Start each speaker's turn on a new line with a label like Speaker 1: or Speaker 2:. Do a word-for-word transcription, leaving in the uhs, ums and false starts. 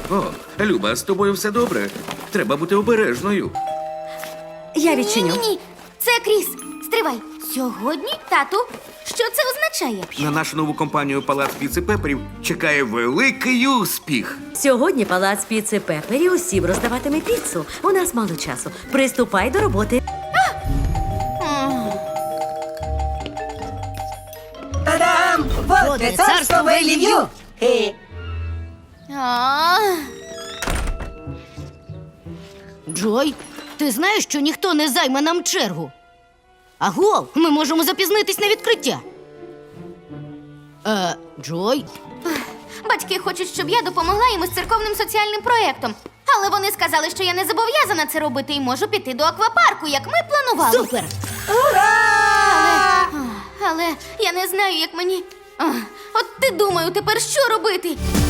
Speaker 1: О, Люба, з тобою все добре. Треба бути обережною.
Speaker 2: Я відчиню.
Speaker 3: Ні-ні-ні, це Кріс. Стривай. Сьогодні, тату, що це означає?
Speaker 1: На нашу нову компанію Палац Піци Пеперів чекає великий успіх.
Speaker 2: Сьогодні палац піци Пепері усім роздаватиме піцу. У нас мало часу. Приступай до роботи.
Speaker 4: Та-дам! Водне царство Велів'ю! Хе.
Speaker 3: А,
Speaker 5: Джой, ти знаєш, що ніхто не займе нам чергу? Агов, ми можемо запізнитись на відкриття. Е, Джой?
Speaker 3: Батьки хочуть, щоб я допомогла їм із церковним соціальним проєктом. Але вони сказали, що я не зобов'язана це робити і можу піти до аквапарку, як ми планували.
Speaker 5: Супер!
Speaker 3: Але я не знаю, як мені. А, От ти думаю, тепер що робити?